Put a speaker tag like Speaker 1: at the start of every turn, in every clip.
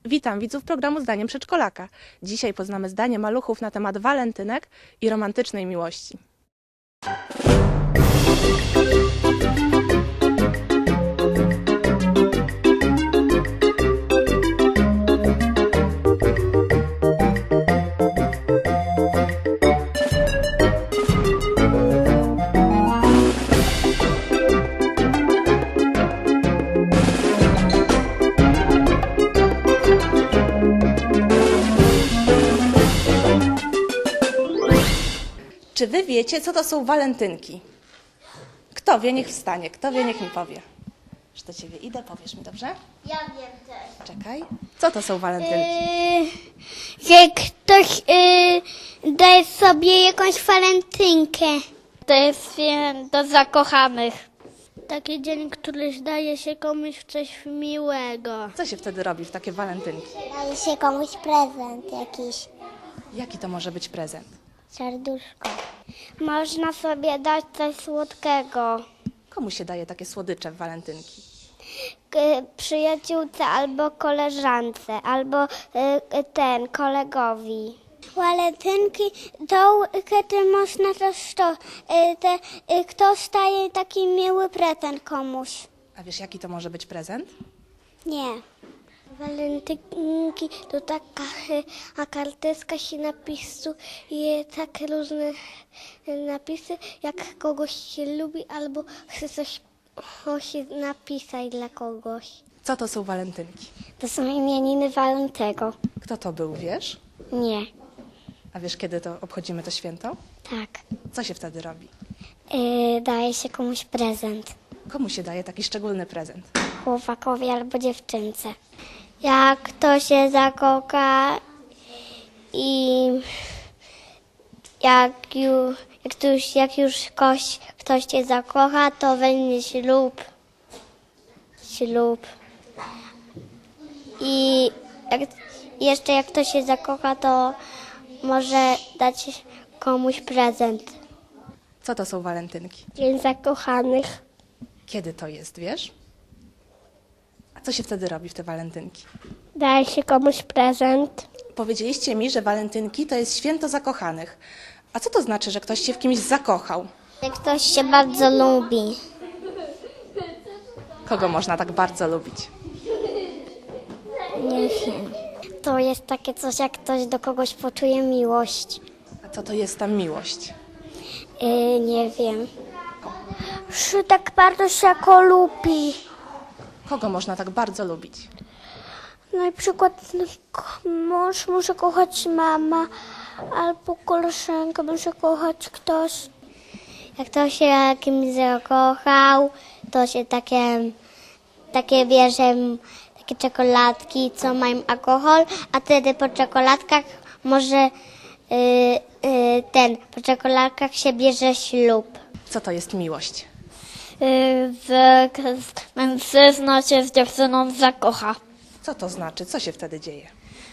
Speaker 1: Witam widzów programu Zdaniem Przedszkolaka. Dzisiaj poznamy zdanie maluchów na temat walentynek i romantycznej miłości. Czy wy wiecie, co to są walentynki? Kto wie, niech wstanie. Kto wie, niech mi powie. Już do ciebie idę, powiesz mi, dobrze?
Speaker 2: Ja wiem też.
Speaker 1: Czekaj. Co to są walentynki?
Speaker 2: Że ktoś daje sobie jakąś walentynkę. To jest święto zakochanych. Taki dzień, który daje się komuś coś miłego.
Speaker 1: Co się wtedy robi w takie walentynki?
Speaker 2: Daje się komuś prezent jakiś.
Speaker 1: Jaki to może być prezent?
Speaker 2: Serduszko. Można sobie dać coś słodkiego.
Speaker 1: Komu się daje takie słodycze w walentynki?
Speaker 2: Przyjaciółce albo koleżance, albo kolegowi. Walentynki to kiedy można też ktoś daje taki miły prezent komuś.
Speaker 1: A wiesz, jaki to może być prezent?
Speaker 2: Nie. Walentynki to taka karteczka się napisuje i takie różne napisy, jak kogoś się lubi albo chce coś napisać dla kogoś.
Speaker 1: Co to są walentynki?
Speaker 2: To są imieniny Walentego.
Speaker 1: Kto to był, wiesz?
Speaker 2: Nie.
Speaker 1: A wiesz, kiedy to obchodzimy to święto?
Speaker 2: Tak.
Speaker 1: Co się wtedy robi?
Speaker 2: Daje się komuś prezent.
Speaker 1: Komu się daje taki szczególny prezent?
Speaker 2: Chłopakowi albo dziewczynce. Jak ktoś się zakocha i jak już ktoś się zakocha, to będzie ślub. I jak ktoś się zakocha, to może dać komuś prezent.
Speaker 1: Co to są walentynki?
Speaker 2: Dzień zakochanych.
Speaker 1: Kiedy to jest, wiesz? A co się wtedy robi w te walentynki?
Speaker 2: Daje się komuś prezent.
Speaker 1: Powiedzieliście mi, że walentynki to jest święto zakochanych. A co to znaczy, że ktoś się w kimś zakochał?
Speaker 2: Jak ktoś się bardzo lubi.
Speaker 1: Kogo można tak bardzo lubić?
Speaker 2: Nie wiem. To jest takie coś, jak ktoś do kogoś poczuje miłość.
Speaker 1: A co to jest ta miłość?
Speaker 2: Nie wiem. Że tak bardzo się go lubi.
Speaker 1: Kogo można tak bardzo lubić?
Speaker 2: Na przykład mąż może kochać mama, albo koleżanka może kochać ktoś. Jak ktoś się kimś zakochał, to się takie bierze, takie czekoladki, co mają alkohol, a wtedy po czekoladkach może po czekoladkach się bierze ślub.
Speaker 1: Co to jest miłość?
Speaker 2: Że mężczyzna się z dziewczyną zakocha.
Speaker 1: Co to znaczy? Co się wtedy dzieje?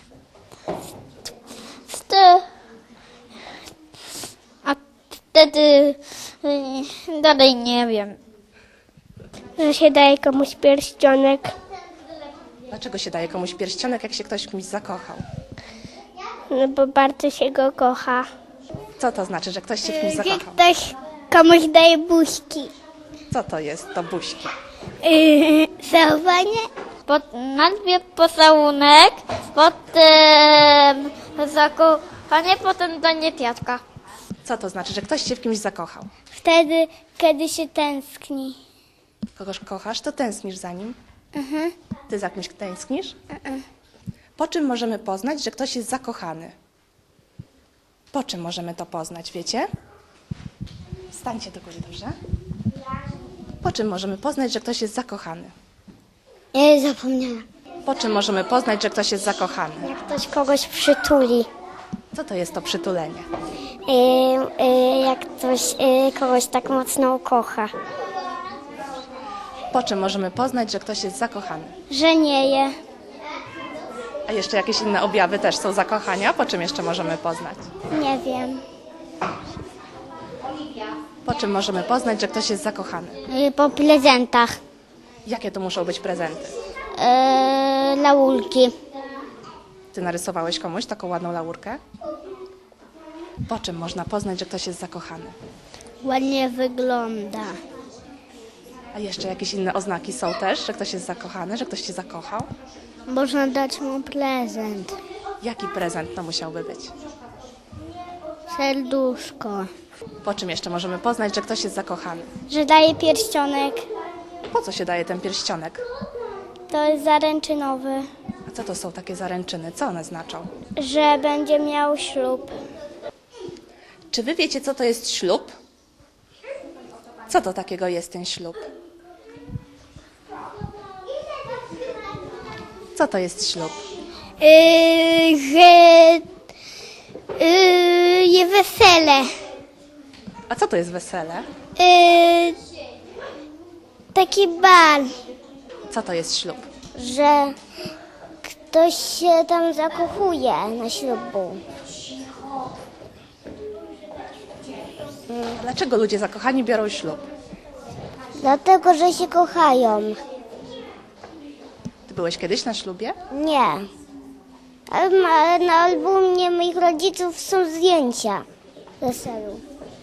Speaker 2: A wtedy dalej nie wiem. Że się daje komuś pierścionek.
Speaker 1: Dlaczego się daje komuś pierścionek, jak się ktoś w kimś zakochał?
Speaker 2: No bo bardzo się go kocha.
Speaker 1: Co to znaczy, że ktoś się w kimś zakochał?
Speaker 2: Ktoś komuś daje buźki.
Speaker 1: Co to jest to buźki?
Speaker 2: Całowanie? Najpierw pocałunek, potem zakochanie, potem danie kwiatka.
Speaker 1: Co to znaczy, że ktoś się w kimś zakochał?
Speaker 2: Wtedy, kiedy się tęskni.
Speaker 1: Kogoś kochasz, to tęsknisz za nim? Ty za kimś tęsknisz? Po czym możemy poznać, że ktoś jest zakochany? Po czym możemy to poznać, wiecie? Stańcie do góry, dobrze? Po czym możemy poznać, że ktoś jest zakochany?
Speaker 2: Zapomniałam.
Speaker 1: Po czym możemy poznać, że ktoś jest zakochany?
Speaker 2: Jak ktoś kogoś przytuli.
Speaker 1: Co to jest to przytulenie?
Speaker 2: Jak ktoś kogoś tak mocno kocha.
Speaker 1: Po czym możemy poznać, że ktoś jest zakochany?
Speaker 2: Że nie je.
Speaker 1: A jeszcze jakieś inne objawy też są zakochania? Po czym jeszcze możemy poznać?
Speaker 2: Nie wiem.
Speaker 1: Po czym możemy poznać, że ktoś jest zakochany?
Speaker 2: Po prezentach.
Speaker 1: Jakie to muszą być prezenty?
Speaker 2: Laurki.
Speaker 1: Ty narysowałeś komuś taką ładną laurkę? Po czym można poznać, że ktoś jest zakochany?
Speaker 2: Ładnie wygląda.
Speaker 1: A jeszcze jakieś inne oznaki są też, że ktoś jest zakochany, że ktoś cię zakochał?
Speaker 2: Można dać mu prezent.
Speaker 1: Jaki prezent to musiałby być?
Speaker 2: Serduszko.
Speaker 1: Po czym jeszcze możemy poznać, że ktoś jest zakochany?
Speaker 2: Że daje pierścionek.
Speaker 1: Po co się daje ten pierścionek?
Speaker 2: To jest zaręczynowy.
Speaker 1: A co to są takie zaręczyny? Co one znaczą?
Speaker 2: Że będzie miał ślub.
Speaker 1: Czy wy wiecie, co to jest ślub? Co to takiego jest ten ślub? Co to jest ślub?
Speaker 2: Je wesele.
Speaker 1: A co to jest wesele?
Speaker 2: Taki bal,
Speaker 1: Co to jest ślub?
Speaker 2: że ktoś się tam zakochuje na ślubu.
Speaker 1: Dlaczego ludzie zakochani biorą ślub?
Speaker 2: Dlatego, że się kochają.
Speaker 1: Ty byłeś kiedyś na ślubie?
Speaker 2: Nie. Ale na albumie moich rodziców są zdjęcia weselu.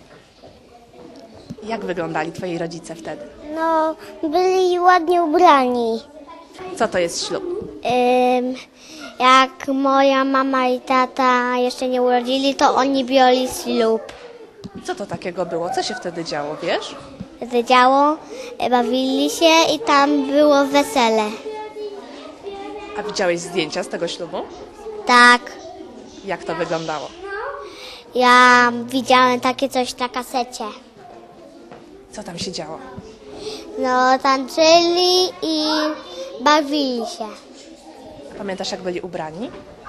Speaker 1: Jak wyglądali twoi rodzice wtedy?
Speaker 2: No, byli ładnie ubrani.
Speaker 1: Co to jest ślub?
Speaker 2: Jak moja mama i tata jeszcze nie urodzili, to oni biorli ślub.
Speaker 1: Co to takiego było? Co się wtedy działo, wiesz?
Speaker 2: Zadziało, bawili się i tam było wesele.
Speaker 1: A widziałeś zdjęcia z tego ślubu?
Speaker 2: Tak,
Speaker 1: Jak to wyglądało?
Speaker 2: ja widziałem takie coś na kasecie.
Speaker 1: Co tam się działo?
Speaker 2: No, tańczyli i bawili się.
Speaker 1: Pamiętasz, jak byli ubrani?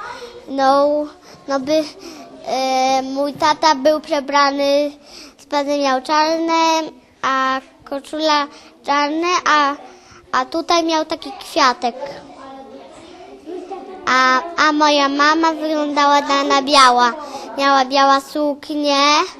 Speaker 2: Mój tata był przebrany, spodnie miał czarne, a koszula czarne, a tutaj miał taki kwiatek. A moja mama wyglądała na biała. Miała biała suknię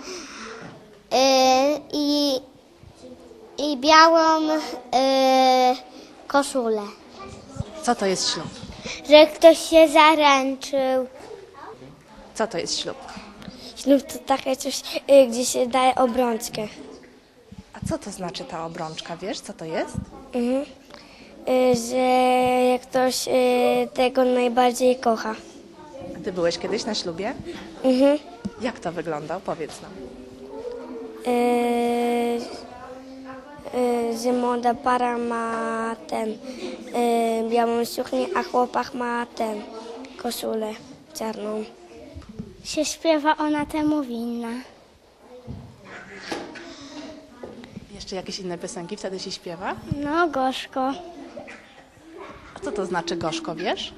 Speaker 2: i białą koszulę.
Speaker 1: Co to jest ślub?
Speaker 2: Że ktoś się zaręczył.
Speaker 1: Co to jest ślub?
Speaker 2: Ślub to takie coś, gdzie się daje obrączkę.
Speaker 1: A co to znaczy ta obrączka? Wiesz, co to jest?
Speaker 2: Że jak ktoś tego najbardziej kocha.
Speaker 1: A ty byłeś kiedyś na ślubie?
Speaker 2: Mhm.
Speaker 1: Jak to wyglądał? Powiedz nam.
Speaker 2: Że młoda para ma białą suknię, a chłopak ma koszulę czarną. Się śpiewa, ona temu winna.
Speaker 1: Jeszcze jakieś inne piosenki wtedy się śpiewa?
Speaker 2: No, gorzko.
Speaker 1: A co to znaczy gorzko, wiesz?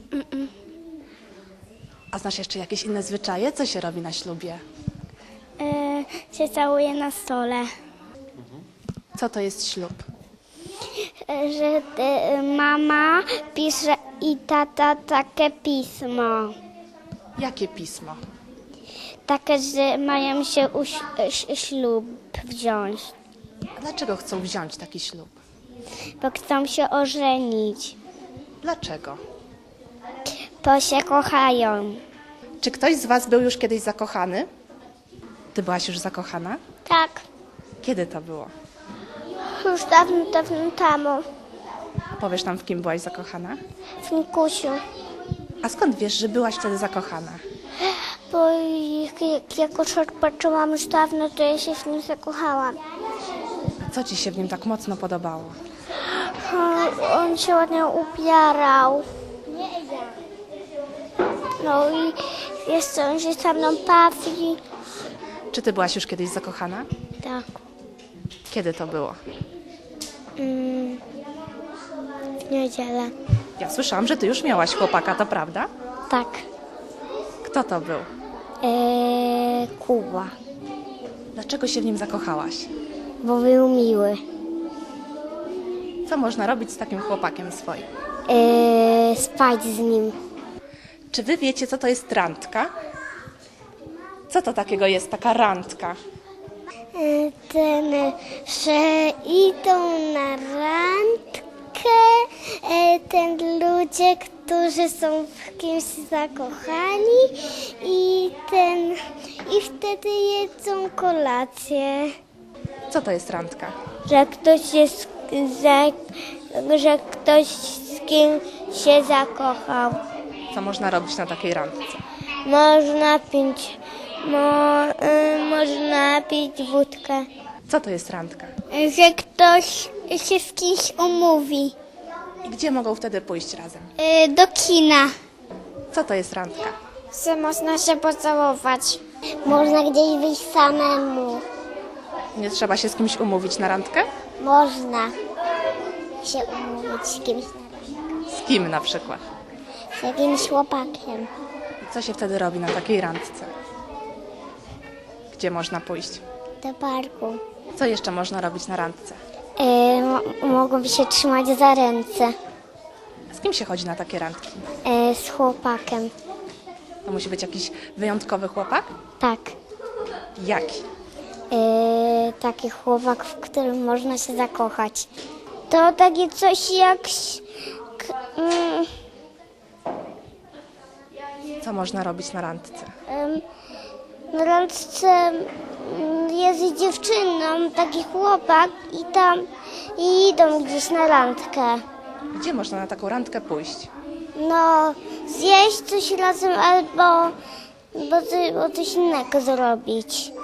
Speaker 1: A znasz jeszcze jakieś inne zwyczaje? Co się robi na ślubie?
Speaker 2: Się całuje na stole.
Speaker 1: Co to jest ślub?
Speaker 2: Że mama pisze i tata takie pismo.
Speaker 1: Jakie pismo?
Speaker 2: Takie, że mają się ślub wziąć,
Speaker 1: A dlaczego chcą wziąć taki ślub?
Speaker 2: bo chcą się ożenić,
Speaker 1: Dlaczego?
Speaker 2: bo się kochają.
Speaker 1: Czy ktoś z was był już kiedyś zakochany? Ty byłaś już zakochana?
Speaker 2: Tak,
Speaker 1: Kiedy to było?
Speaker 2: już dawno temu,
Speaker 1: Powiesz nam, w kim byłaś zakochana?
Speaker 2: w Nikusiu.
Speaker 1: A skąd wiesz, że byłaś wtedy zakochana?
Speaker 2: Bo jak już odpoczyłam już dawno, to ja się w nim zakochałam.
Speaker 1: A co ci się w nim tak mocno podobało?
Speaker 2: On się ładnie ubierał. No i wiesz co, on się ze mną bawi.
Speaker 1: Czy ty byłaś już kiedyś zakochana?
Speaker 2: Tak.
Speaker 1: Kiedy to było?
Speaker 2: W niedzielę.
Speaker 1: Ja słyszałam, że ty już miałaś chłopaka, to prawda?
Speaker 2: Tak.
Speaker 1: Kto to był?
Speaker 2: Kuba.
Speaker 1: Dlaczego się w nim zakochałaś?
Speaker 2: Bo był miły.
Speaker 1: Co można robić z takim chłopakiem swoim?
Speaker 2: Spać z nim.
Speaker 1: Czy wy wiecie, co to jest randka? Co to takiego jest taka randka?
Speaker 2: Że idą na randkę ludzie, którzy są w kimś zakochani i wtedy jedzą kolację.
Speaker 1: Co to jest randka?
Speaker 2: Że ktoś jest, że ktoś z kim się zakochał.
Speaker 1: Co można robić na takiej randce?
Speaker 2: Można pić wódkę.
Speaker 1: Co to jest randka?
Speaker 2: Że ktoś się z kimś umówi.
Speaker 1: I gdzie mogą wtedy pójść razem?
Speaker 2: Do kina.
Speaker 1: Co to jest randka?
Speaker 2: Że można się pocałować. Można gdzieś wyjść samemu.
Speaker 1: Nie trzeba się z kimś umówić na randkę?
Speaker 2: Można się umówić z kimś,
Speaker 1: Z kim na przykład?
Speaker 2: z jakimś chłopakiem.
Speaker 1: I co się wtedy robi na takiej randce? Gdzie można pójść?
Speaker 2: Do parku.
Speaker 1: Co jeszcze można robić na randce?
Speaker 2: Mogą się trzymać za ręce.
Speaker 1: Z kim się chodzi na takie randki?
Speaker 2: Z chłopakiem.
Speaker 1: To musi być jakiś wyjątkowy chłopak?
Speaker 2: Tak.
Speaker 1: Jaki?
Speaker 2: Taki chłopak, w którym można się zakochać. To takie coś jak...
Speaker 1: Co można robić na randce?
Speaker 2: Na randce jest z dziewczyną taki chłopak i idą gdzieś na randkę.
Speaker 1: Gdzie można na taką randkę pójść?
Speaker 2: No, zjeść coś razem albo coś innego zrobić.